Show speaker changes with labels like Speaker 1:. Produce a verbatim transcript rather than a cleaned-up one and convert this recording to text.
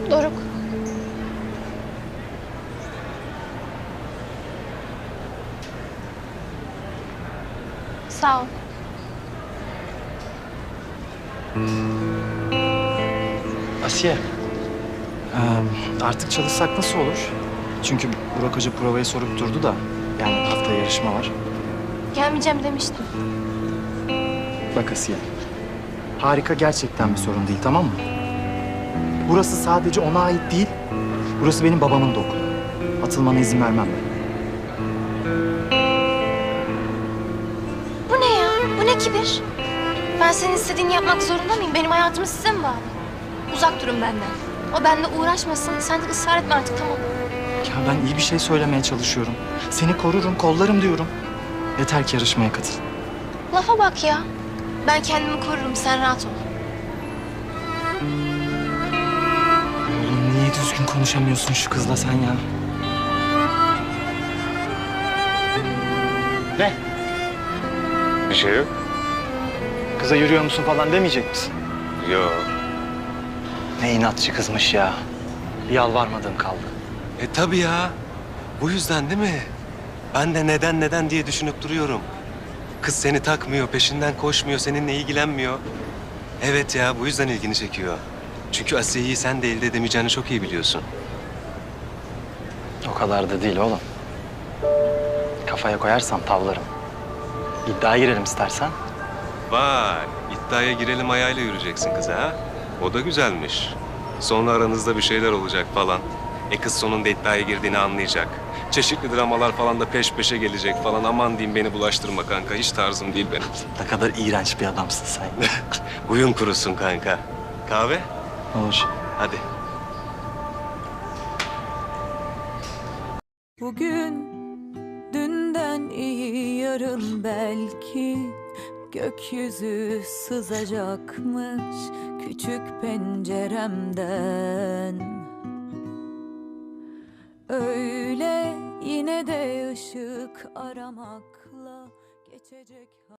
Speaker 1: Doruk. Sağ ol.
Speaker 2: Asiye, eee, artık çalışsak nasıl olur? Çünkü Burak Hoca provayı sorup durdu da, yani haftaya yarışma var.
Speaker 1: Gelmeyeceğim demiştim.
Speaker 2: Bak Asiye, harika gerçekten bir sorun değil, tamam mı? Burası sadece ona ait değil, burası benim babamın da okulu. Atılmana izin vermem ben.
Speaker 1: Bu ne ya? Bu ne kibir? Ben senin istediğini yapmak zorunda mıyım? Benim hayatımı size mi bağlı? Uzak durun benden. O benimle uğraşmasın. Sen de ısrar etme artık, tamam.
Speaker 2: Ya ben iyi bir şey söylemeye çalışıyorum. Seni korurum, kollarım diyorum. Yeter ki yarışmaya katıl.
Speaker 1: Lafa bak ya. Ben kendimi korurum, sen rahat ol.
Speaker 2: Oğlum niye düzgün konuşamıyorsun şu kızla sen ya? Ne?
Speaker 3: Bir şey yok.
Speaker 2: Kıza yürüyor musun falan demeyecek misin?
Speaker 3: Yok.
Speaker 2: Ne inatçı kızmış ya. Bir yalvarmadığım kaldı.
Speaker 3: E tabii ya. Bu yüzden değil mi? Ben de neden neden diye düşünüp duruyorum. Kız seni takmıyor, peşinden koşmuyor, seninle ilgilenmiyor. Evet ya, bu yüzden ilgini çekiyor. Çünkü Asiye'yi sen de elde edemeyeceğini çok iyi biliyorsun.
Speaker 2: O kadar da değil oğlum. Kafaya koyarsam tavlarım. İddiaya girelim istersen.
Speaker 3: Vay, iddiaya girelim ayağıyla yürüyeceksin kıza ha? O da güzelmiş. Sonra aranızda bir şeyler olacak falan. E kız sonunda iddiaya girdiğini anlayacak. Çeşitli dramalar falan da peş peşe gelecek falan. Aman diyeyim beni bulaştırma kanka. Hiç tarzım değil benim.
Speaker 2: Ne kadar iğrenç bir adamsın sen.
Speaker 3: Huyun kurusun kanka. Kahve?
Speaker 2: Olur.
Speaker 3: Hadi.
Speaker 4: Bugün dünden iyi, yarın belki gökyüzü sızacakmış küçük penceremden. Öyle yine de ışık aramakla geçecek.